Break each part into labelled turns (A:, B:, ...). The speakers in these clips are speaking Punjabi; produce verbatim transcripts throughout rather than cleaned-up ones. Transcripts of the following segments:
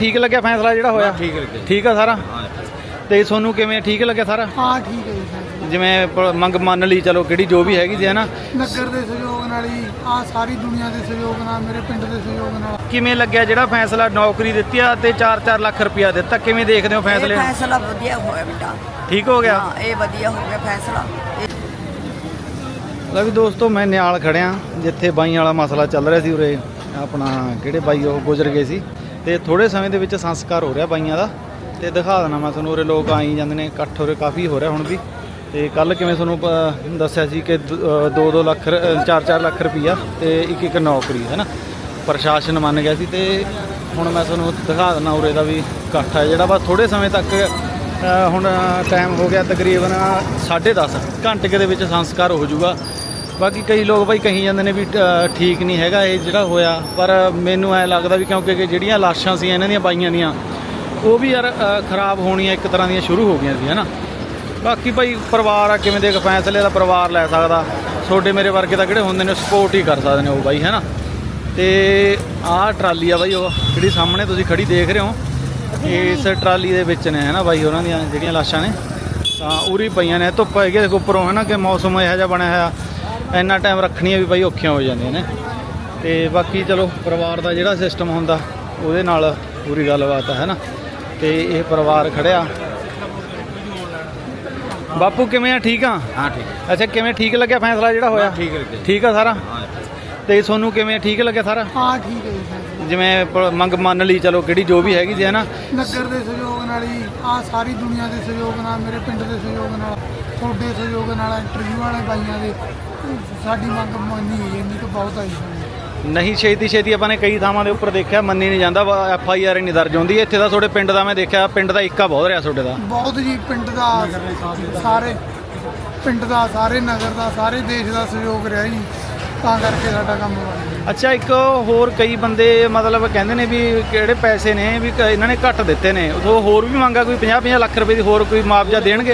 A: ठीक लगे फैसला जो होया?
B: ठीक लगे।
A: ठीक है सारा तो सोनू किवें ठीक लगे सारा?
C: हाँ ठीक है जी।
A: जिवें मंग मान ली चलो कि जो भी हैगी है ना
C: नगर के सहयोग नाल ही आ सारी दुनिया के सहयोग नाल मेरे पिंड के सहयोग नाल
A: किवें लग्या जिहड़ा फैसला नौकरी दित्ती आ ते चार चार लाख रुपया दित्ता किवें देखदे हो फैसले?
D: ਇਹ फैसला ਵਧੀਆ ਹੋਇਆ बेटा।
A: ठीक हो गया?
D: हाँ ਇਹ ਵਧੀਆ ਹੋ ਗਿਆ फैसला।
A: लो भी दोस्तों मैं नियाल खड़िया जिथे बाई वाला मसला चल रहा सी उरे अपना किहड़े बाई वो गुजर गए सी ते थोड़े समय दे विच संस्कार हो रहा बाईयां दा ते दिखा देना मैं तुहानूं उरे लोग आई जांदे ने इकट्ठ उरे काफ़ी हो रहा हुण भी ते कल किवें तुहानूं दस्सिया सी कि दो दो लख चार चार लख रुपया ते एक एक नौकरी है ना प्रशासन मन गया सी ते हुण मैं तुहानूं दिखा देना उरे दा भी इकट्ठ है जिहड़ा बस थोड़े समय तक हुण टाइम हो गया तकरीबन साढ़े दस घंटे के दे विच संस्कार हो जूगा। बाकी कई लोग भाई कही जाते हैं भी ठीक नहीं हैगा ये जिहड़ा होया पर मैनू ऐ लगदा भी क्योंकि जिहड़ियां लाशां सी इन्हां दियां बाईयां दियां वो भी यार खराब होनियां एक तरह दियां शुरू हो गई सी है ना। बाकी भाई परिवार आ किवें दे फैसले दा परिवार लै सकदा छोटे मेरे वर्गे तां किहड़े हुंदे ने सपोर्ट ही कर सकदे ने वो बाई है ना। तो आह ट्राली आ बाई वो जिहड़ी सामने तुसीं खड़ी देख रहे हो इस ट्राली दे विच ने है ना बाई उन्हां दियां जिहड़ियां लाशां ने तां उरी पईयां ने धुप्प हैगी उपरों है ना कि मौसम इहो जिहा बनया होया इन्ना टाइम रखनियां भी भाई औखियां हो जांदियां ने। ते बाकी चलो परिवार का जिहड़ा सिस्टम हुंदा उहदे नाल पूरी गलबात है ना। तो ये परिवार खड़िया बापू किवें ठीक आ?
B: हाँ ठीक।
A: अच्छा किवें ठीक लग्या फैसला जिहड़ा होया?
B: ठीक लगे।
A: ठीक है सारा तो सोनू किवें ठीक लग्या सारा?
C: हाँ ठीक है जी।
A: जिवें मंग मान ली चलो कि जो भी हैगी है ना
C: नगर के सहयोग नाल ही आ सारी दुनिया के सहयोग नाल मेरे पिंड के सहयोग नाल ਤੁਹਾਡੇ सहयोग नाल इंटरव्यू वाले बाईयां दे साडी मंग ਮੰਨੀ ਹੋਈ ਇੰਨੀ ਤਾਂ ਬਹੁਤ ਆਈ ਸੀ।
A: नहीं छेती छेती अपने कई थावां दे उपर देखिया मन्नी नहीं जाता एफ आई आर नहीं दर्ज होंदी इत्थे दा थोड़े पिंड दा मैं देखिया पिंड दा इक्का बहुत रहा थोड़े दा
C: ਬਹੁਤ ਜੀ ਪਿੰਡ ਦਾ ਸਾਰੇ ਪਿੰਡ ਦਾ ਸਾਰੇ ਨਗਰ ਦਾ ਸਾਰੇ ਦੇਸ਼ ਦਾ ਸਹਿਯੋਗ ਰਿਹਾ ਜੀ ਤਾਂ ਕਰਕੇ ਸਾਡਾ ਕੰਮ ਬਣ ਗਿਆ।
A: अच्छा एक होर कई बंदे मतलब कहते ने भी किहड़े पैसे ने भी इन्हां ने घट दिते ने तो होर भी मंगा कोई पचास पचास लाख रुपए दी होर कोई मुआवजा देणगे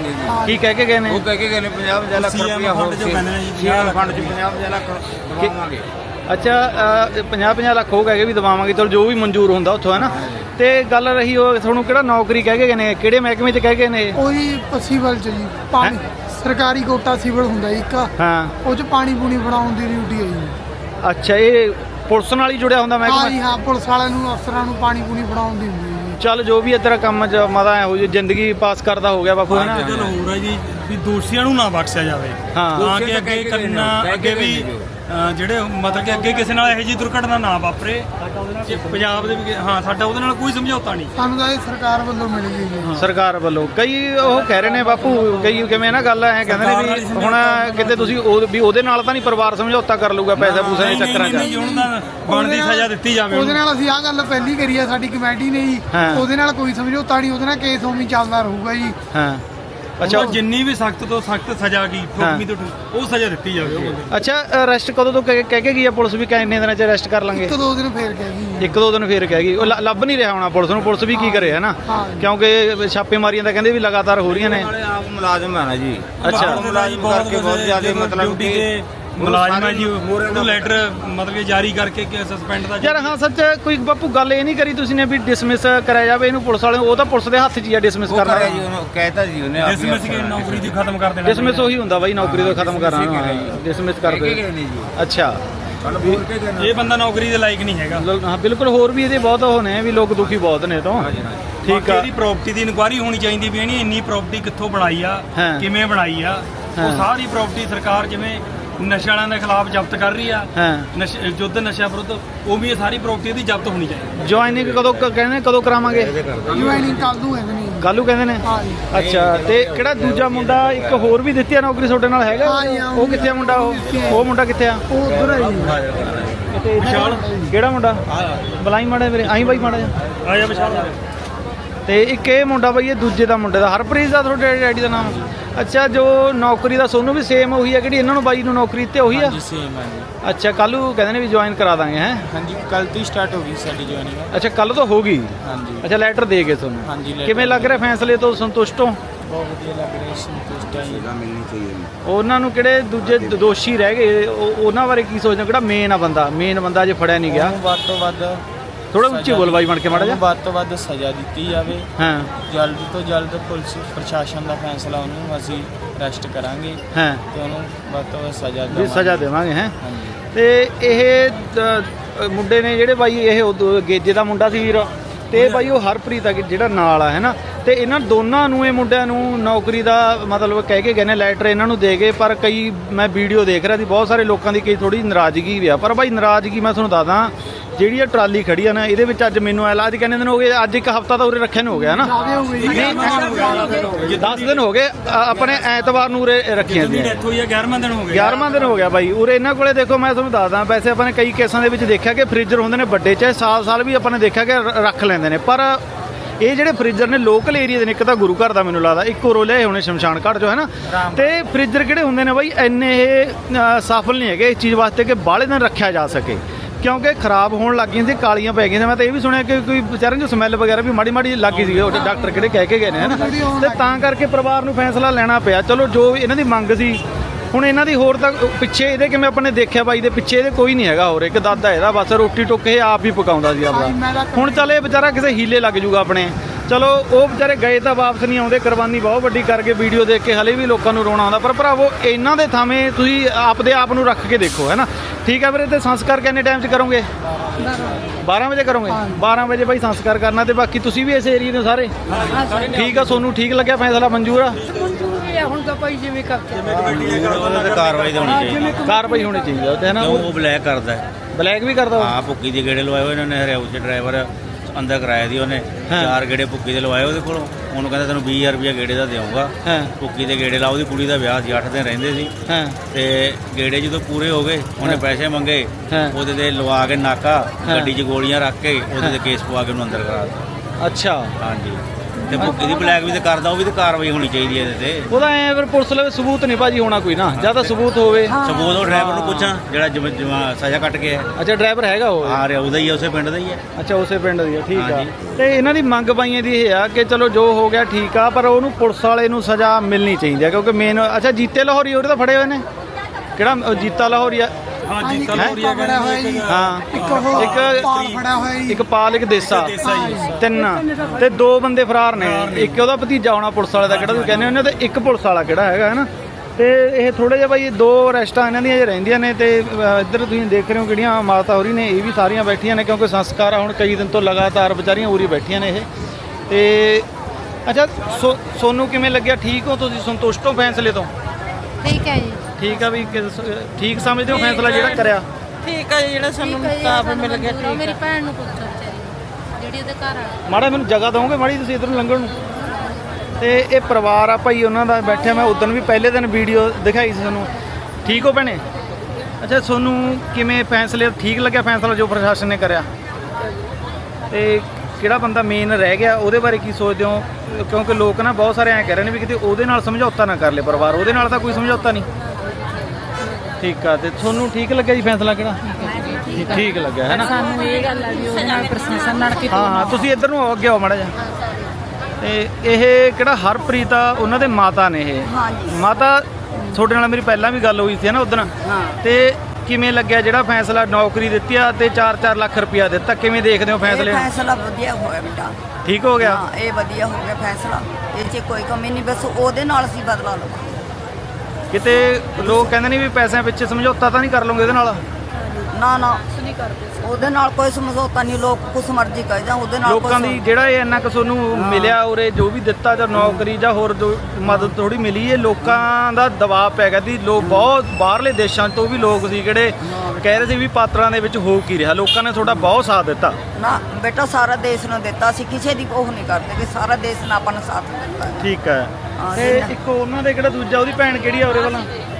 A: की कह के गए ने?
B: वो कह के गए ने पचास पचास लाख रुपया हो सीएम फंड च पचास पचास लाख दवावांगे।
A: अच्छा पचास पचास लाख हो गए भी दवावांगे चलो जो भी मंजूर होंदा उत्थों है ना। तो गल रही हो तुहानूं किहड़ा नौकरी कह के गए ने किहड़े महकमे च कह के ने?
C: ਉਹੀ ਸਿਵਲ ਚ ਜੀ ਪਾਣੀ ਸਰਕਾਰੀ ਕੋਟਾ ਸਿਵਲ ਹੁੰਦਾ ਜੀ ਇੱਕ
A: हाँ
C: ਉਹ ਚ ਪਾਣੀ ਪੂਣੀ ਬਣਾਉਣ ਦੀ ਡਿਊਟੀ ਹੈ ਜੀ।
A: अच्छा ये पुलिस नाल ही जुड़िया हुंदा
C: ਹਾਂ
A: महकमा?
C: ਜੀ ਹਾਂ ਪੁਲਿਸ ਵਾਲਿਆਂ ਨੂੰ ਅਫਸਰਾਂ ਨੂੰ ਪਾਣੀ ਪੂਣੀ ਬਣਾਉਣ ਦੀ ਹੁੰਦੀ ਹੈ ਜੀ।
A: चल जो भी इधर काम च मता हो जी जिंदगी पास करता हो गया बापू है ना।
E: ਗੱਲ ਹੋਰ ਹੈ ਜੀ ਵੀ ਦੋਸ਼ੀਆਂ ਨੂੰ ਨਾ ਬਖਸ਼ਿਆ ਜਾਵੇ
A: ਹਾਂ।
E: ਤਾਂ ਕਿ ਅੱਗੇ ਕਰਨਾ ਅੱਗੇ ਵੀ ਅ, ਜਿਹੜੇ ਮਤਲਬ ਕਿ ਅੱਗੇ ਕਿਸੇ ਨਾਲ ਇਹੋ ਜਿਹੀ ਦੁਰਘਟਨਾ ਨਾ ਵਾਪਰੇ ਕਿ ਪੰਜਾਬ ਦੇ ਵੀ ਹਾਂ ਸਾਡਾ ਉਹਦੇ ਨਾਲ ਕੋਈ ਸਮਝੌਤਾ ਨਹੀਂ।
C: ਸਾਨੂੰ ਤਾਂ ਇਹ ਸਰਕਾਰ ਵੱਲੋਂ ਮਿਲੀ ਜੀ ਜੀ।
A: ਸਰਕਾਰ ਵੱਲੋਂ ਕਈ ਉਹ ਕਹਿ ਰਹੇ ਨੇ ਬਾਪੂ ਕਈ ਕਿਵੇਂ ਨਾ ਗੱਲ ਐ ਕਹਿੰਦੇ ਨੇ ਵੀ ਹੁਣ ਕਿਤੇ ਤੁਸੀਂ ਉਹ ਵੀ ਉਹਦੇ ਨਾਲ ਤਾਂ ਨਹੀਂ ਪਰਿਵਾਰ ਸਮਝੌਤਾ ਕਰ ਲਊਗਾ ਪੈਸੇ ਪੂਸੇ ਦੇ ਚੱਕਰਾਂ 'ਚ।
E: ਨਹੀਂ ਹੁਣ ਤਾਂ ਬਣਦੀ ਸਜ਼ਾ ਦਿੱਤੀ ਜਾਵੇ
C: ਉਹਦੇ ਨਾਲ ਅਸੀਂ ਆਹ ਗੱਲ ਪਹਿਲੀ ਕਰੀ ਆ ਸਾਡੀ ਕਮੇਟੀ ਨੇ ਜੀ
A: ਹਾਂ।
C: ਉਹਦੇ ਨਾਲ ਕੋਈ ਸਮਝੌਤਾ ਨਹੀਂ ਉਹਦੇ ਨਾਲ ਕੇਸ ਉਵੇਂ ਹੀ ਚੱਲਦਾ ਰਹੂਗਾ ਜੀ।
A: ਹਾਂ
E: ਅੱਛਾ
A: ਅੱਛਾ
E: ਜਿੰਨੀ ਵੀ ਸਖਤ ਤੋਂ ਸਖਤ ਸਜ਼ਾ ਕੀ ਠੋਕਵੀਂ ਤੋਂ ਠੋਕ ਉਹ ਸਜ਼ਾ ਦਿੱਤੀ ਜਾਵੇ ਉਹ ਬੰਦੇ ਨੂੰ।
A: ਅੱਛਾ ਅਰੈਸਟ ਕਦੋਂ ਤੋਂ ਕਹਿ ਕਹਿ ਕੇ ਗਈ ਆ ਪੁਲਿਸ ਵੀ ਕਿੰਨੇ ਦਿਨਾਂ 'ਚ ਅਰੈਸਟ ਕਰ ਲਾਂਗੇ?
C: ਇੱਕ ਦੋ ਦਿਨ ਫੇਰ ਕਹਿ ਗਈ
A: ਇੱਕ ਦੋ ਦਿਨ ਫੇਰ ਕਹਿ ਗਈ ਉਹ ਲ- ਲੱਭ ਨਹੀਂ ਰਿਹਾ ਹੋਣਾ ਪੁਲਿਸ ਨੂੰ ਪੁਲਿਸ ਵੀ ਕੀ ਕਰੇ ਹੈ ਨਾ
C: ਹਾਂ।
A: ਕਿਉਂਕਿ ਛਾਪੇਮਾਰੀਆਂ ਤਾਂ ਕਹਿੰਦੇ ਵੀ ਲਗਾਤਾਰ ਹੋ ਰਹੀਆਂ ਨੇ।
B: ਨਾਲੇ ਆਪ ਮੁਲਾਜ਼ਮ ਹੈ ਨਾ ਜੀ।
A: ਅੱਛਾ।
B: ਆਪ ਮੁਲਾਜ਼ਮ ਕਰਕੇ ਬਹੁਤ ਜ਼ਿਆਦਾ ਮਤਲਬ
E: ਡਿਊਟੀ
B: ਕਿ
E: ਤੇ ਮੁਲਾਜ਼ਮ ਹੈ ਜੀ ਉਹਨੂੰ ਲੈਟਰ ਮਤਲਬ ਕਿ ਜਾਰੀ ਕਰਕੇ ਕਿ ਸਸਪੈਂਡ ਦਾ
A: ਯਾਰ ਹਾਂ ਸੱਚ ਕੋਈ ਬਾਪੂ ਗੱਲ ਇਹ ਨਹੀਂ ਕਰੀ ਤੁਸੀਂ ਨੇ ਵੀ ਡਿਸਮਿਸ ਕਰਾਇਆ ਜਾਵੇ ਇਹਨੂੰ ਪੁਲਿਸ ਵਾਲੇ ਨੂੰ ਉਹ ਤਾਂ ਪੁਲਿਸ ਦੇ ਹੱਥ 'ਚ ਹੀ ਆ ਡਿਸਮਿਸ
B: ਉਹ
A: ਕਰਨਾ।
B: ਕਰਿਆ ਜੀ ਉਹਨੂੰ ਕਹਿਤਾ ਜੀ ਉਹਨੇ ਆਪਣੀ
E: ਡਿਸਮਿਸ ਕੇ ਨੌਕਰੀ ਦੀ ਖਤਮ ਕਰ ਦੇਣਾ।
A: ਡਿਸਮਿਸ ਉਹੀ ਹੁੰਦਾ ਬਾਈ ਨੌਕਰੀ ਤੋਂ ਖਤਮ ਕਰਨਾ ਡਿਸਮਿਸ ਕਰ
B: ਕਹਿ ਕੇ
A: ਦੇ।
B: ਗਏ ਨੇ ਜੀ।
A: ਅੱਛਾ
B: ਕੱਲ ਬੋਲ ਕੇ ਗਏ ਨੇ।
E: ਇਹ ਬੰਦਾ ਨੌਕਰੀ ਦੇ ਲਾਇਕ ਨਹੀਂ ਹੈਗਾ।
A: ਲ- ਹਾਂ ਬਿਲਕੁਲ ਹੋਰ ਵੀ ਇਹਦੇ ਬਹੁਤ ਉਹ ਨੇ ਵੀ ਲੋਕ ਦੁਖੀ ਬਹੁਤ ਨੇ ਤੋਂ
B: ਹਾਂਜੀ ਹਾਂਜੀ।
A: ਠੀਕ
E: ਬਾਕੀ
A: ਆ।
E: ਇਹਦੀ ਪ੍ਰਾਪਰਟੀ ਦੀ ਇਨਕੁਆਇਰੀ ਹੋਣੀ ਚਾਹੀਦੀ ਵੀ ਇਹਨੇ ਇੰਨੀ ਪ੍ਰਾਪਰਟੀ ਕਿੱਥੋਂ ਬਣਾਈ ਆ
A: ਹਾਂ।
E: ਕਿਵੇਂ ਬਣਾਈ ਆ
A: ਹਾਂ।
E: ਉਹ ਸਾਰੀ ਪ੍ਰਾਪਰਟੀ ਸਰਕਾਰ ਜਿਵੇਂ ਨਸ਼ੇ ਵਾਲਿਆਂ ਦੇ ਖਿਲਾਫ ਜ਼ਬਤ ਕਰ ਰਹੀ ਆ
A: ਹਾਂ
E: ਨਸ਼ੇ ਯੁੱਧ ਨਸ਼ਾ ਵਿਰੁੱਧ ਉਹ ਵੀ ਇਹ ਸਾਰੀ ਪ੍ਰਾਪਰਟੀ ਇਹਦੀ ਜ਼ਬਤ ਹੋਣੀ ਚਾਹੀਦੀ।
A: ਜੁਆਇਨਿੰਗ ਕਦੋਂ ਕ- ਕਹਿੰਦੇ ਕਦੋਂ ਕਰਾਵਾਂਗੇ?
C: ਜੁਆਇਨਿੰਗ ਕੱਲ ਨੂੰ ਹੈ ਨਹੀਂ
A: ਕੱਲੂ ਕਹਿੰਦੇ ਨੇ।
C: ਹਾਂ ਜੀ।
A: ਅੱਛਾ ਤੇ ਕਿਹੜਾ ਦੂਜਾ ਮੁੰਡਾ ਇੱਕ ਹੋਰ ਵੀ ਦਿੱਤੀ ਆ ਨੌਕਰੀ ਤੁਹਾਡੇ ਨਾਲ ਹੈਗਾ?
C: ਹਾਂ ਜੀ, ਹਾਂ,
A: ਉਹ ਕਿੱਥੇ ਆ ਮੁੰਡਾ? ਉਹ ਉਹ ਮੁੰਡਾ ਕਿੱਥੇ ਆ?
C: ਉਹ ਉਧਰ ਹੈ ਜੀ।
A: ਵਿਸ਼ਾਲ ਕਿਹੜਾ ਮੁੰਡਾ? ਬਲਾਈ ਮਾੜਾ ਵੀਰੇ ਆਈ ਬਾਈ ਮਾੜਾ ਜਿਹਾ।
E: ਆ ਜਾ ਵਿਸ਼ਾਲ।
A: ਤੇ ਇੱਕ ਇਹ ਮੁੰਡਾ ਬਾਈ ਇਹ ਦੂਜੇ ਦਾ ਮੁੰਡੇ ਦਾ ਹਰਪ੍ਰੀਤ ਦਾ ਤੁਹਾਡੇ ਡੈਡੀ ਦਾ ਨਾਮ? ਅੱਛਾ ਜੋ ਨੌਕਰੀ ਦਾ ਸੋਨੂੰ ਵੀ ਸੇਮ ਉਹੀ ਆ ਜਿਹੜੀ ਇਹਨਾਂ ਨੂੰ ਬਾਈ ਨੂੰ ਨੌਕਰੀ ਦਿੱਤੀ ਉਹੀ ਆ?
F: ਸੇਮ ਹੈ ਜੀ।
A: ਅੱਛਾ ਕੱਲ੍ਹ ਨੂੰ ਕਹਿੰਦੇ ਨੇ ਵੀ ਜੁਆਇਨ ਕਰਾ ਦਾਂਗੇ ਹੈ?
F: ਹਾਂਜੀ ਕੱਲ ਤੋਂ ਹੀ ਸਟਾਰਟ ਹੋ ਗਈ ਸਾਡੀ ਜੁਆਇਨਿੰਗ।
A: ਅੱਛਾ ਕੱਲ੍ਹ ਤੋਂ ਹੋ ਗਈ?
F: ਹਾਂਜੀ
A: ਅੱਛਾ ਲੈਟਰ ਦੇ ਗਏ ਤੁਹਾਨੂੰ?
F: ਹਾਂਜੀ letter
A: ਕਿਵੇਂ ਲੱਗ ਰਿਹਾ ਫੈਸਲੇ ਤੋਂ ਸੰਤੁਸ਼ਟ ਹੋ?
F: ਬਹੁਤ ਵਧੀਆ ਲੱਗ ਰਿਹਾ ਸੰਤੁਸ਼ਟ ਹੈ ਜੀ।
B: ਸਜ਼ਾ ਮਿਲਣੀ ਚਾਹੀਦੀ।
A: ਉਹਨਾਂ ਨੂੰ ਕਿਹੜੇ ਦੂਜੇ ਦ- ਦੋਸ਼ੀ ਰਹਿ ਗਏ ਉਹ- ਉਹਨਾਂ ਬਾਰੇ ਕੀ ਸੋਚਦੇ ਹੋ? ਕਿਹੜਾ ਮੇਨ ਆ ਬੰਦਾ ਮੇਨ ਬੰਦਾ ਜੇ ਫੜਿਆ ਨਹੀਂ ਗਿਆ?
F: ਉਹਨੂੰ ਵੱਧ ਤੋਂ ਵੱਧ
A: ਥੋੜਾ ਉੱਚੀ ਬੋਲ ਬਾਈ ਬਣ ਕੇ ਮਾੜਾ
F: ਉਹਨੂੰ
A: ਜਿਹਾ।
F: ਵੱਧ ਤੋਂ ਵੱਧ ਸਜ਼ਾ ਦਿੱਤੀ ਜਾਵੇ।
A: ਹਾਂ
F: ਜਲਦ ਤੋਂ ਜਲਦ ਪੁਲਿਸ ਪ੍ਰਸ਼ਾਸਨ ਦਾ ਫੈਸਲਾ ਉਹਨੂੰ ਅਸੀਂ ਅਰੈਸਟ ਕਰਾਂਗੇ
A: ਹਾਂ
F: ਤੇ ਉਹਨੂੰ ਵੱਧ ਤੋਂ ਵੱਧ ਸਜ਼ਾ
A: ਵੀ
F: ਦੇਵਾਂਗੇ।
A: ਸਜ਼ਾ ਦੇਵਾਂਗੇ ਹੈ।
F: ਹਾਂਜੀ
A: ਤੇ ਇਹ ਅ, ਮੁੰਡੇ ਨੇ ਜਿਹੜੇ ਬਾਈ ਇਹ ਉਦੋਂ ਗੇਜੇ ਦਾ ਮੁੰਡਾ ਸੀ ਵੀਰ, ਤੇ ਇਹ ਬਾਈ ਉਹ ਹਰਪ੍ਰੀਤ ਆ ਜਿਹੜਾ ਨਾਲ ਆ ਹੈ ਨਾ, ਤੇ ਇਹਨਾਂ ਦੋਨਾਂ ਨੂੰ ਇਹ ਮੁੰਡਿਆਂ ਨੂੰ ਨੌਕਰੀ ਦਾ ਮਤਲਬ ਕਹਿ ਕੇ ਗਏ ਨੇ, ਲੈਟਰ ਇਹਨਾਂ ਨੂੰ ਦੇ ਗਏ। ਪਰ ਕਈ ਮੈਂ ਵੀਡੀਓ ਦੇਖ ਰਿਹਾ ਸੀ ਬਹੁਤ ਸਾਰੇ ਲੋਕਾਂ ਦੀ ਕਈ ਥੋੜੀ ਨਾਰਾਜ਼ਗੀ ਵੀ ਆ। ਪਰ ਬਾਈ ਨਾਰਾਜ਼ਗੀ ਮੈਂ ਤੁਹਾਨੂੰ ਦੱਸਦਾ, ਜਿਹੜੀ ਇਹ ਟਰਾਲੀ ਖੜੀ ਆ ਨਾ, ਇਹਦੇ ਵਿੱਚ ਅੱਜ ਮੈਨੂੰ ਐ ਅੱਜ ਕਹਿੰਦੇ ਦਿਨ ਹੋ ਗਏ, ਅੱਜ ਇੱਕ ਹਫਤਾ ਤਾਂ ਉਰੇ ਰੱਖਿਆ ਨੂੰ ਹੋ ਗਿਆ ਨਾ,
C: ਜ਼ਿਆਦੇ ਹੋ ਗਏ ਜੀ।
A: ਦਸ ਦਿਨ ਹੋ ਗਏ ਅ, ਆਪਣੇ ਐਤਵਾਰ ਨੂੰ ਉਰੇ ਰੱਖੀਆਂ
E: ਜਿਹਦੀ
A: ਸੀ।
E: ਡੈਥ ਹੋਈ ਆ ਗਿਆਰਵਾਂ ਦਿਨ ਹੋ ਗਿਆ।
A: ਗਿਆਰਵਾਂ ਦਿਨ ਹੋ ਗਿਆ ਬਾਈ ਉਰੇ ਇਹਨਾਂ ਕੋਲੇ। ਦੇਖੋ ਮੈਂ ਤੁਹਾਨੂੰ ਦੱਸਦਾ, ਵੈਸੇ ਆਪਾਂ ਨੇ ਕਈ ਕੇਸਾਂ ਦੇ ਵਿੱਚ ਦੇਖਿਆ ਕਿ ਫ੍ਰਿਜਰ ਹੁੰਦੇ ਨੇ ਵੱਡੇ, ਚਾਹੇ ਸਾਲ ਸਾਲ ਵੀ ਆਪਾਂ ਨੇ ਦੇਖਿਆ ਕਿ ਰ- ਰੱਖ ਲੈਂਦੇ ਨੇ। ਪਰ ਇਹ ਜਿਹੜੇ ਫ੍ਰਿਜਰ ਨੇ ਲੋਕਲ ਏਰੀਆ ਦੇ ਨੇ, ਇੱਕ ਤਾਂ ਗੁਰੂ ਘਰ ਦਾ ਮੈਨੂੰ ਲੱਗਦਾ, ਇੱਕ ਹੋਰ ਲਿਆਏ ਹੋਣੇ ਸ਼ਮਸ਼ਾਨ ਘਾਟ ਜੋ ਹੈ ਨਾ, ਤੇ ਫ੍ਰਿਜਰ ਕਿਹੜੇ ਹੁੰਦੇ ਨੇ ਬਾਈ ਇੰਨੇ ਇਹ ਅ, ਸਫਲ ਨਹੀਂ ਹੈਗੇ ਇਸ ਚੀਜ਼ ਵਾਸਤੇ ਕਿ ਬਾਹਲੇ ਦਿਨ ਰੱਖਿਆ ਜਾ ਸਕੇ, ਕਿਉਂਕਿ ਖਰਾਬ ਹੋਣ ਲੱਗ ਗਈਆਂ ਸੀ, ਕਾਲੀਆਂ ਪੈ ਗਈਆਂ ਸੀ। ਮੈਂ ਤਾਂ ਇਹ ਵੀ ਸੁਣਿਆ ਕਿ ਕੋਈ ਵਿਚਾਰਿਆਂ ਨੂੰ ਸਮੈਲ ਵਗੈਰਾ ਵੀ ਮਾੜੀ ਮਾੜੀ ਲੱਗ ਗਈ ਸੀ, ਉਹ ਡਾਕਟਰ ਕਿਹੜੇ ਕਹਿ ਕੇ ਗਏ ਨੇ ਹੈ ਨਾ, ਤੇ ਤਾਂ ਕਰਕੇ ਪਰਿਵਾਰ ਨੂੰ ਫੈਸਲਾ ਲੈਣਾ ਪਿਆ। ਚਲੋ ਜੋ ਵੀ ਇਹਨਾਂ ਦੀ ਮੰਗ ਸੀ, ਹੁਣ ਇਹਨਾਂ ਦੀ ਹੋਰ ਤਾਂ ਪਿੱਛੇ ਇਹਦੇ ਕਿਵੇਂ ਆਪਾਂ ਨੇ ਦੇਖਿਆ ਬਾਈ ਦੇ ਪਿੱਛੇ ਇਹਦੇ ਕੋਈ ਨਹੀਂ ਹੈਗਾ ਹੋਰ, ਇੱਕ ਦਾਦਾ ਇਹਦਾ ਬਸ ਰੋਟੀ ਟੁੱਕ ਇਹ ਆਪ ਹੀ ਪਕਾਉਂਦਾ ਸੀ ਆਪਦਾ। ਹੁਣ ਚੱਲ ਇਹ ਵਿਚਾਰਾ ਕਿਸੇ ਹੀਲੇ ਲੱਗ ਜੂਗਾ ਆਪਣੇ, ਚਲੋ ਉਹ ਵਿਚਾਰੇ ਗਏ ਤਾਂ ਵਾਪਸ ਨਹੀਂ ਆਉਂਦੇ, ਕੁਰਬਾਨੀ ਬਹੁਤ ਵੱਡੀ ਕਰਕੇ ਵੀਡੀਓ ਦੇਖ ਕੇ ਹਲੇ ਵੀ ਲੋਕਾਂ ਨੂੰ ਰੋਣਾ ਆਉਂਦਾ। ਪਰ ਭਰਾਵੋ ਇਹਨਾਂ ਦੇ ਥਾਵੇਂ ਤੁਸੀਂ ਆਪਦੇ ਆਪ ਨੂੰ ਰੱਖ ਕੇ ਦੇਖੋ ਹੈ ਨਾ, ਠੀਕ ਹੈ ਵੀਰੇ। ਤੇ ਸੰਸਕਾਰ ਕਿੰਨੇ ਟਾਈਮ 'ਚ ਕਰੋਗੇ? ਬਾਰਾਂ ਵਜੇ ਕਰੋਗੇ? ਬਾਰਾਂ ਵਜੇ ਬਾਈ ਸੰਸਕਾਰ ਕਰਨਾ। ਤੇ ਬਾਕੀ ਤੁਸੀਂ ਵੀ ਇਸ ਏਰੀਏ ਦੇ ਸਾਰੇ ਠੀਕ ਆ? ਤੁਹਾਨੂੰ ਠੀਕ ਲੱਗਿਆ ਫੈਸਲਾ? ਮਨਜ਼ੂਰ ਆ?
C: ਹੁਣ ਤਾਂ ਭਾਈ ਜਿਵੇਂ ਕਰਦੇ
B: ਉਹਦੇ ਤੇ ਕਾਰਵਾਈ ਤਾਂ ਹੋਣੀ ਚਾਹੀਦੀ,
A: ਕਾਰਵਾਈ ਹੋਣੀ ਚਾਹੀਦੀ ਹੈ ਤੇ ਹੈ ਨਾ।
B: ਕਿਉਂ ਉਹ ਬਲੈਕ ਕਰਦਾ ਹੈ।
A: ਬਲੈਕ ਵੀ ਕਰਦਾ ਉਹ?
B: ਹਾਂ ਭੁੱਕੀ ਦੇ ਗੇੜੇ ਲਵਾਏ ਹੋਏ ਇਹਨਾਂ ਨੇ, ਹਰਿਆਊ ਚ ਡਰਾਈਵਰ ਅੰਦਰ ਕਰਾਇਆ ਦੀ ਉਹਨੇ, ਚਾਰ ਗੇੜੇ ਭੁੱਕੀ ਦੇ ਲਵਾਏ ਉਹਦੇ ਕੋਲੋਂ। ਉਹਨੂੰ ਕਹਿੰਦਾ ਤੈਨੂੰ ਵੀਹ ਹਜ਼ਾਰ ਰੁਪਇਆ ਗੇੜੇ ਦਾ ਦੇਵਾਂਗਾ,
A: ਹਾਂ
B: ਭੁੱਕੀ ਦੇ ਗੇੜੇ ਲਾ। ਉਹਦੀ ਕੁੜੀ ਦਾ ਵਿਆਹ ਸੀ, ਅੱਠ ਦਿਨ ਰਹਿੰਦੇ ਸੀ,
A: ਹਾਂ
B: ਤੇ ਗੇੜੇ ਜਦੋਂ ਪੂਰੇ ਹੋ ਗਏ ਉਹਨੇ ਪੈਸੇ ਮੰਗੇ,
A: ਹਾਂ।
B: ਉਹਦੇ ਤੇ ਲਵਾ ਕੇ ਨਾਕਾ,
A: ਹਾਂ।
B: ਗੱਡੀ 'ਚ ਗੋਲੀਆਂ ਰੱਖ ਕੇ ਉਹਦੇ ਤੇ ਕੇਸ ਪਵਾ ਕੇ ਉਹਨੂੰ ਅੰਦਰ ਕਰਾ ਦਿੱਤਾ।
A: ਅੱਛਾ,
B: ਹਾਂਜੀ, ਤੇ ਭੁੱਕੀ ਦੀ ਬਲੈਕ ਵੀ ਤੇ ਕਰਦਾ, ਉਹ ਵੀ ਤੇ ਕਾਰਵਾਈ ਹੋਣੀ ਚਾਹੀਦੀ ਹੈ ਇਹਦੇ ਤੇ।
A: ਉਹਦਾ ਐ ਫਿਰ ਪੁਲਿਸ ਲਵੇ ਸਬੂਤ ਨਹੀਂ ਭਾਜੀ ਹੋਣਾ ਕੋਈ ਨਾ, ਜਾਂ ਤਾਂ ਸਬੂਤ ਹੋਵੇ।
B: ਸਬੂਤ ਉਹ ਡਰਾਈਵਰ ਨੂੰ ਪੁੱਛਾਂ ਜਿਹੜਾ ਜਿਵੇਂ ਜਿਵੇਂ ਸਜ਼ਾ ਕੱਟ ਕੇ ਆਇਆ।
A: ਅੱਛਾ ਡਰਾਈਵਰ ਹੈਗਾ ਉਹ?
B: ਆ ਰਿਹਾ ਉਹਦਾ ਹੀ ਹੈ, ਉਸੇ ਪਿੰਡ ਦਾ ਹੀ ਹੈ।
A: ਅੱਛਾ ਉਸੇ ਪਿੰਡ ਦੀ ਆ, ਠੀਕ ਆ।
B: ਹਾਂਜੀ।
A: ਤੇ ਇਹਨਾਂ ਦੀ ਮੰਗ ਬਾਈਆਂ ਦੀ ਇਹ ਆ ਕਿ ਚਲੋ ਜੋ ਹੋ ਗਿਆ ਠੀਕ ਆ, ਪਰ ਉਹਨੂੰ ਪੁਲਿਸ ਵਾਲੇ ਨੂੰ ਸਜ਼ਾ ਮਿਲਣੀ ਚਾਹੀਦੀ ਆ, ਕਿਉਂਕਿ ਮੇਨ ਅੱਛਾ ਜੀਤੇ ਲਾਹੌਰੀ ਉਹਦੇ ਤਾਂ ਫੜੇ ਹੋਏ ਨੇ, ਕਿਹੜਾ ਉਹ ਜੀਤਾ ਲਾਹੌਰੀ ਆ?
E: ਹਾਂ ਜੀ
C: ਹੈਂ?
E: ਲੋਰੀਆ
C: ਫੜਿਆ ਹੋਇਆ ਜੀ।
A: ਹਾਂ
C: ਇੱਕ ਉਹ
A: ਇੱਕ
C: ਪਾਲ ਫੜਿਆ ਹੋਇਆ ਜੀ।
A: ਇੱਕ ਪਾਲ, ਇੱਕ ਦੇਸਾ, ਤਿੰਨ ਤੇ ਦੋ ਬੰਦੇ ਫਰਾਰ ਨੇ। ਇੱਕ ਉਹਦਾ ਭਤੀਜਾ ਹੋਣਾ ਪੁਲਿਸ ਵਾਲੇ ਦਾ, ਕਿਹੜਾ ਤੁਸੀਂ ਕਹਿੰਦੇ ਹੋ, ਤੇ ਇੱਕ ਪੁਲਿਸ ਵਾਲਾ ਕਿਹੜਾ ਹੈਗਾ ਹੈ ਨਾ। ਤੇ ਇਹ ਥੋੜੇ ਜਿਹਾ ਬਾਈ ਦੋ ਅਰੈਸਟਾਂ ਇਹਨਾਂ ਦੀਆਂ ਰਹਿੰਦੀਆਂ ਨੇ। ਤੇ ਅ, ਇੱਧਰ ਤੁਸੀਂ ਦੇਖ ਰਹੇ ਹੋ ਕਿਹੜੀਆਂ ਮਾਤਾ ਹੋਰੀ ਨੇ, ਇਹ ਵੀ ਸਾਰੀਆਂ ਬੈਠੀਆਂ ਨੇ, ਕਿਉਂਕਿ ਸੰਸਕਾਰ ਆ ਹੁਣ ਕਈ ਦਿਨ ਤੋਂ ਲਗਾਤਾਰ ਵਿਚਾਰੀਆਂ ਉਰੀ ਬੈਠੀਆਂ ਨੇ ਇਹ। ਤੇ ਅੱਛਾ ਸੋ ਸੋਨੂੰ ਕਿਵੇਂ ਲੱਗਿਆ? ਠੀਕ ਹੋ ਤੁਸੀਂ? ਸੰਤੁਸ਼ਟ ਹੋ ਫੈਸਲੇ ਤੋਂ?
G: ਠੀਕ ਹੈ ਜੀ।
A: ਠੀਕ ਆ ਵੀ ਕਿਸ- ਠੀਕ ਸਮਝਦੇ ਹੋ ਫੈਸਲਾ ਜਿਹੜਾ ਕਰਿਆ?
H: ਠੀਕ ਹੈ ਜੀ, ਜਿਹੜਾ ਸਾਨੂੰ ਮੁਤਾਬ ਮਿਲ ਗਿਆ। ਠੀਕ
G: ਮੇਰੀ
H: ਹੈ।
G: ਭੈਣ ਨੂੰ ਪੁੱਛੋ ਵਿਚਾਰੀ ਜਿਹੜੀ ਉਹਦੇ ਘਰ ਆ।
A: ਮਾੜਾ ਮੈਨੂੰ ਜਗ੍ਹਾ ਦਓਗੇ ਮਾੜੀ ਤੁਸੀਂ ਇੱਧਰ ਨੂੰ ਲੰਘਣ ਨੂੰ? ਤੇ ਇਹ ਪਰਿਵਾਰ ਆ ਭਾਈ ਉਹਨਾਂ ਦਾ ਬੈਠਿਆ। ਮੈਂ ਉਦੋਂ ਵੀ ਪਹਿਲੇ ਦਿਨ ਵੀਡੀਓ ਦਿਖਾਈ ਸੀ ਤੁਹਾਨੂੰ। ਠੀਕ ਹੋ ਭੈਣੇ? ਅੱਛਾ ਤੁਹਾਨੂੰ ਕਿਵੇਂ ਫੈਸਲੇ ਠੀਕ ਲੱਗਿਆ ਫੈਸਲਾ ਜੋ ਪ੍ਰਸ਼ਾਸਨ ਨੇ ਕਰਿਆ? ਤੇ ਕਿਹੜਾ ਬੰਦਾ ਮੇਨ ਰਹਿ ਗਿਆ ਉਹਦੇ ਬਾਰੇ ਕੀ ਸੋਚਦੇ ਹੋ? ਕਿਉਂਕਿ ਲੋਕ ਨਾ ਬਹੁਤ ਸਾਰੇ ਐਂ ਕਹਿ ਰਹੇ ਨੇ ਵੀ ਕਿਤੇ ਉਹਦੇ ਨਾਲ ਸਮਝੌਤਾ ਨਾ ਕਰ ਲੇ ਪਰਿਵਾਰ, ਉਹਦੇ ਨਾਲ ਤਾਂ ਕੋਈ ਸਮਝੌਤਾ ਨਹੀਂ। ਠੀਕ ਆ। ਤੇ ਤੁਹਾਨੂੰ ਠੀਕ ਲੱਗਿਆ ਜੀ ਫੈਸਲਾ ਕਿਹੜਾ? ਠੀਕ ਲੱਗਿਆ ਹੈ ਨਾ।
H: ਸਾਨੂੰ ਇਹ ਗੱਲ ਆ ਵੀ ਉਹਦੇ ਨਾਲ ਪ੍ਰਸ਼ਾਸਨ ਨਾਲ ਕਿ
A: ਹਾਂ ਹਾਂ ਤੁਸੀਂ ਇੱਧਰ ਨੂੰ ਆਓ, ਅੱਗੇ ਆਓ ਮਾੜਾ ਜਿਹਾ। ਤੇ ਇਹ ਕਿਹੜਾ ਹਰਪ੍ਰੀਤ ਆ, ਉਹਨਾਂ ਦੇ ਮਾਤਾ ਨੇ ਇਹ?
D: ਹਾਂਜੀ।
A: ਮਾਤਾ ਤੁਹਾਡੇ ਨਾਲ ਮੇਰੀ ਪਹਿਲਾਂ ਵੀ ਗੱਲ ਹੋਈ ਸੀ ਨਾ ਉਦੋਂ।
D: ਹਾਂ।
A: ਤੇ ਕਿਵੇਂ ਲੱਗਿਆ ਜਿਹੜਾ ਫੈਸਲਾ ਨੌਕਰੀ ਦਿੱਤੀ ਆ ਤੇ ਚਾਰ ਚਾਰ ਲੱਖ ਰੁਪਇਆ ਦਿੱਤਾ, ਕਿਵੇਂ ਦੇਖਦੇ ਹੋ
D: ਇਹ
A: ਫੈਸਲੇ ਨੂੰ?
D: ਫੈਸਲਾ ਵਧੀਆ ਹੋਇਆ ਬੇਟਾ।
A: ਠੀਕ ਹੋ ਗਿਆ?
D: ਹਾਂ ਇਹ ਵਧੀਆ ਹੋ ਗਿਆ ਫੈਸਲਾ, ਇਹ 'ਚ ਕੋਈ ਕਮੀ ਨਹੀਂ, ਬਸ ਉਹਦੇ ਨਾਲ ਅਸੀਂ ਬਦਲਾ ਲਵਾਂਗੇ।
A: ਕਿਤੇ ਲੋਕ ਕਹਿੰਦੇ ਨੇ ਵੀ ਪੈਸਿਆਂ ਪਿੱਛੇ ਸਮਝੌਤਾ ਤਾਂ ਨਹੀਂ ਕਰ ਲਓਗੇ ਇਹਦੇ ਨਾਲ?
D: ਨਾ ਨਾ ਨਹੀਂ ਕਰਦੇ, ਉਹਦੇ ਨਾਲ ਕੋਈ ਸਮਝੌਤਾ ਨਹੀਂ। ਲੋਕ ਕੁਛ ਮਰਜ਼ੀ ਕਹਿ ਜਾਂ ਉਹਦੇ ਨਾਲ
A: ਲੋਕਾਂ
D: ਕੋਈ
A: ਦੀ ਜਿਹੜਾ ਇਹ ਇੰਨਾ ਕੁ ਤੁਹਾਨੂੰ ਮਿਲਿਆ ਉਰੇ ਜੋ ਵੀ ਦਿੱਤਾ ਜਾਂ ਨੌਕਰੀ ਜਾਂ ਹੋਰ ਜੋ ਮਦਦ ਥੋੜੀ ਮਿਲੀ, ਇਹ ਲੋਕਾਂ ਦਾ ਦਬਾਅ ਪੈ ਗਿਆ ਸੀ। ਲੋਕ ਬਹੁਤ ਬਾਹਰਲੇ ਦੇਸ਼ਾਂ ਤੋਂ ਵੀ ਲੋਕ ਸੀ ਜਿਹੜੇ ਕਹਿ ਰਹੇ ਸੀ ਵੀ ਪਾਤਰਾਂ ਦੇ ਵਿੱਚ ਹੋ ਕੀ ਰਿਹਾ। ਲੋਕਾਂ ਨੇ ਤੁਹਾਡਾ ਬਹੁਤ ਸਾਥ ਦਿੱਤਾ।
D: ਨਾ ਬੇਟਾ ਸਾਰਾ ਦੇਸ਼ ਨੂੰ ਦਿੱਤਾ ਸੀ, ਕਿਸੇ ਦੀ ਉਹ ਨਹੀਂ ਕਰਦੇ ਕਿ ਸਾਰਾ ਦੇਸ਼ ਨੇ ਆਪਾਂ ਨੂੰ ਸਾਥ ਦਿੱਤਾ ਹੈ।
A: ਠੀਕ ਹੈ।
D: ਹਾਂ,
A: ਤੇ
D: ਜਿੰਨਾ-
A: ਇੱਕ ਉਹਨਾਂ ਦੇ ਕਿਹੜਾ ਦੂਜਾ ਉਹਦੀ ਭੈਣ ਕਿਹੜੀ ਆ ਉਰੇ ਵਾਲਾ?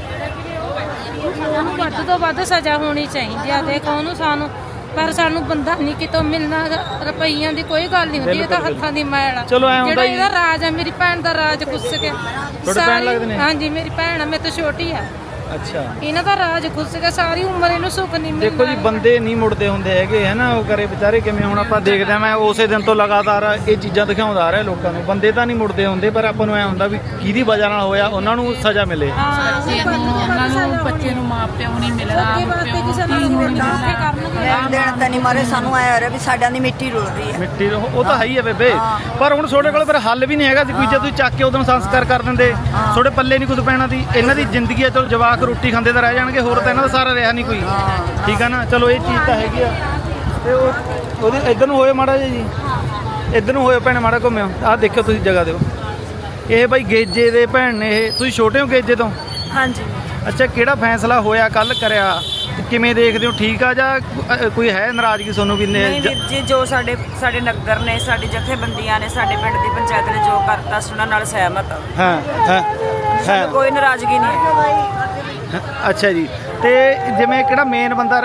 G: ਉਹਨੂੰ ਵੱਧ ਤੋਂ ਵੱਧ ਸਜ਼ਾ ਹੋਣੀ ਚਾਹੀਦੀ ਆ। ਦੇਖੋ ਉਹਨੂੰ ਸਾਨੂੰ, ਪਰ ਸਾਨੂੰ ਬੰਦਾ ਨਹੀਂ ਕਿਤੋਂ ਮਿਲਣਾ ਗਾ। ਰੁਪਈਆਂ ਦੀ ਕੋਈ ਗੱਲ ਨਹੀਂ ਹੁੰਦੀ, ਇਹ ਤਾਂ ਹੱਥਾਂ ਦੀ ਮੈਲ ਆ।
A: ਚਲੋ ਐਂ ਹੁੰਦਾ
G: ਜਿਹੜਾ
A: ਜੀ।
G: ਇਹਦਾ ਰਾਜ ਆ, ਮੇਰੀ ਭੈਣ ਦਾ ਰਾਜ ਕੁੱਸ ਕੇ
A: ਭੈਣ
G: ਸਾਰੀ-
A: ਲੱਗਦੇ ਨੇ?
G: ਹਾਂਜੀ ਮੇਰੀ ਭੈਣ ਆ, ਮੇਰੇ ਤੋਂ ਛੋਟੀ ਆ।
A: ਅੱਛਾ
G: ਇਹਨਾਂ ਦਾ ਰਾਜ ਖੁੱਸ ਗਿਆ, ਸਾਰੀ ਉਮਰ ਇਹਨੂੰ ਸੁੱਖ ਨਹੀਂ ਮਿਲਦਾ।
A: ਦੇਖੋ ਜੀ ਬੰਦੇ ਨਹੀਂ ਮੁੜਦੇ ਹੁੰਦੇ ਹੈਗੇ ਹੈ ਨਾ, ਉਹ ਕਰੇ ਵਿਚਾਰੇ ਕਿਵੇਂ। ਹੁਣ ਆਪਾਂ ਦੇਖਦੇ ਆ, ਮੈਂ ਉਸੇ ਦਿਨ ਤੋਂ ਲਗਾਤਾਰ ਇਹ ਚੀਜ਼ਾਂ ਦਿਖਾਉਂਦਾ ਆ ਰਿਹਾ ਲੋਕਾਂ ਨੂੰ। ਬੰਦੇ ਤਾਂ ਨਹੀਂ ਮੁੜਦੇ ਹੁੰਦੇ, ਪਰ ਆਪਾਂ ਨੂੰ ਐ ਹੁੰਦਾ ਵੀ ਕਿਹਦੀ ਵਜ੍ਹਾ ਨਾਲ ਹੋਇਆ ਉਹਨਾਂ ਨੂੰ ਸਜ਼ਾ ਮਿਲੇ।
H: ਬੱਚੇ ਨੂੰ ਉਹਨਾਂ ਨੂੰ ਬੱਚੇ ਨੂੰ ਮਾਂ ਪਿਓ ਨਹੀਂ ਮਿਲਦਾ,
G: ਅੱਗੇ ਵਾਸਤੇ
H: ਪਿਓ
G: ਕਿਸੇ
H: ਧੀ
G: ਨਾਲ
H: ਨੂੰ ਨਹੀਂ
G: ਮਿਲਦਾ
H: ਮਿਲਦਾ।
G: ਕਰਨਗੇ।
D: ਲੈਣ ਦੇਣ ਤਾਂ ਨਹੀਂ ਮਾਰੇ ਸਾਨੂੰ ਆਇਆ ਰਿਹਾ ਵੀ ਸਾਡਿਆਂ ਦੀ ਮਿੱਟੀ ਰੁਲ ਰਹੀ ਹੈ।
A: ਮਿੱਟੀ ਉਹ ਉਹ ਤਾਂ ਹੈ ਹੀ ਹੈ ਬੇਬੇ, ਪਰ ਹੁਣ ਤੁਹਾਡੇ ਕੋਲ ਫਿਰ ਹੱਲ ਵੀ ਨਹੀਂ ਹੈਗਾ ਸੀ ਕੋਈ। ਜੇ ਤੁਸੀਂ ਚੱਕ ਕੇ ਉਦੋਂ ਸੰਸਕਾਰ ਕਰ ਦਿੰਦੇ, ਤੁਹਾਡੇ ਪੱਲੇ ਨਹੀਂ ਕੁਝ ਪੈਣਾ ਸੀ। ਇਹਨਾਂ ਦੀ ਜ਼ਿੰਦਗੀ ਹੈ, ਚਲੋ ਜਵਾਕ ਰੋਟੀ ਖਾਂਦੇ ਤਾਂ ਰਹਿ ਜਾਣਗੇ, ਹੋਰ ਤਾਂ ਇਹਨਾਂ ਦਾ ਸਾਰਾ ਰਿਹਾ ਨਹੀਂ ਕੋਈ। ਠੀਕ ਆ ਨਾ, ਚਲੋ ਇਹ ਚੀਜ਼ ਤਾਂ ਹੈਗੀ ਆ। ਤੇ ਉਹ ਉਹਦੇ ਇੱਧਰ ਨੂੰ ਹੋਏ ਮਾੜਾ ਜਿਹਾ ਜੀ, ਇੱਧਰ ਨੂੰ ਹੋਏ ਭੈਣੇ ਮਾੜਾ ਘੁੰਮਿਓ। ਆਹ ਦੇਖਿਓ ਤੁਸੀਂ ਜਗ੍ਹਾ ਦਿਓ। ਇਹ ਬਾਈ ਗੇਜੇ ਦੇ ਭੈਣ ਨੇ, ਇਹ ਤੁਸੀਂ ਛੋਟੇ ਹੋ ਗੇਜੇ ਤੋਂ?
H: ਹਾਂਜੀ
A: ਅੱਛਾ, ਕਿਹੜਾ ਫੈਸਲਾ ਹੋਇਆ ਕੱਲ ਕਰਿਆ, ਕਿਵੇਂ ਦੇਖਦੇ ਹੋ? ਠੀਕ ਆ ਜਾਂ ਅ, ਕੋਈ ਹੈ ਨਾਰਾਜ਼ਗੀ ਤੁਹਾਨੂੰ ਵੀ? ਨੇ
H: ਨਹੀਂ ਵੀਰ ਜੀ, ਜੋ ਸਾਡੇ ਸਾਡੇ ਨਗਰ ਨੇ, ਸਾਡੀ ਜਥੇਬੰਦੀਆਂ ਨੇ, ਸਾਡੇ ਪਿੰਡ ਦੀ ਪੰਚਾਇਤ ਨੇ ਜੋ ਕਰਤਾ ਸੀ ਉਹਨਾਂ ਨਾਲ ਸਹਿਮਤ ਹਾਂ।
A: ਹਾਂ ਹਾਂ
H: ਸਾਨੂੰ
A: ਹਾਂ
H: ਕੋਈ ਨਾਰਾਜ਼ਗੀ ਨਹੀਂ ਹੈ।
A: ਅੱਛਾ ਜੀ। ਤੇ ਜਿਵੇਂ ਕਿਹੜਾ ਮੇਨ ਬੰਦਾ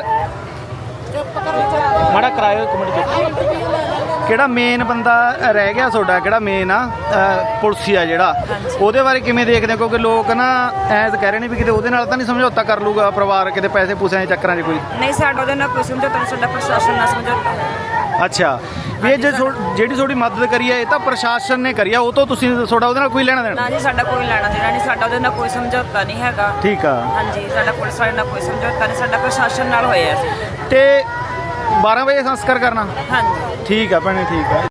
A: ਮਾੜਾ ਕਰਾਇਓ ਇੱਕ ਮਿੰਟ ਚੁੱਪ। ਕਿਹੜਾ ਮੇਨ ਬੰਦਾ ਰਹਿ ਗਿਆ ਤੁਹਾਡਾ, ਕਿਹੜਾ ਮੇਨ ਆ ਅ, ਪੁਲਸੀ ਆ ਜਿਹੜਾ, ਉਹਦੇ ਬਾਰੇ ਕਿਵੇਂ ਦੇਖਦੇ ਹੋ? ਕਿਉਂਕਿ ਲੋਕ ਨਾ ਐਂ ਕਹਿ ਰਹੇ ਨੇ ਵੀ ਕਿਤੇ ਉਹਦੇ ਨਾਲ ਤਾਂ ਨਹੀਂ ਸਮਝੌਤਾ ਕਰ ਲੂਗਾ ਪਰਿਵਾਰ, ਕਿਤੇ ਪੈਸੇ ਪੂਸਿਆਂ ਦੇ ਚੱਕਰਾਂ 'ਚ ਕੋਈ?
H: ਨਹੀਂ, ਸਾਡਾ ਉਹਦੇ ਨਾਲ ਕੋਈ ਸਮਝੌਤਾ ਨਹੀਂ, ਸਾਡਾ ਪ੍ਰਸ਼ਾਸਨ ਨਾਲ ਸਮਝੌਤਾ।
A: ਅੱਛਾ, ਵੀ ਇਹ ਜੇ ਥੋ- ਜਿਹੜੀ ਤੁਹਾਡੀ ਮਦਦ ਕਰੀ ਹੈ ਇਹ ਤਾਂ ਪ੍ਰਸ਼ਾਸਨ ਨੇ ਕਰੀ ਆ, ਉਹ ਤੋਂ ਤੁਸੀਂ ਤੁਹਾਡਾ ਉਹਦੇ ਨਾਲ ਕੋਈ ਲੈਣਾ ਦੇਣਾ?
H: ਨਾ ਜੀ, ਸਾਡਾ ਕੋਈ ਲੈਣਾ ਦੇਣਾ ਨਹੀਂ, ਸਾਡਾ ਉਹਦੇ ਨਾਲ ਕੋਈ ਸਮਝੌਤਾ ਨਹੀਂ ਹੈਗਾ।
A: ਠੀਕ ਆ।
H: ਹਾਂਜੀ, ਸਾਡਾ ਪੁਲਿਸ ਵਾਲੇ ਨਾਲ ਕੋਈ ਸਮਝੌਤਾ ਨਹੀਂ, ਸਾਡਾ ਪ੍ਰਸ਼ਾਸਨ ਨਾਲ ਹੋਇਆ ਸੀ।
A: ਤੇ ਬਾਰਾਂ ਵਜੇ ਸੰਸਕਾਰ ਕਰਨਾ?
H: ਹਾਂਜੀ।
A: ਠੀਕ ਆ ਭੈਣੇ, ਠੀਕ ਆ।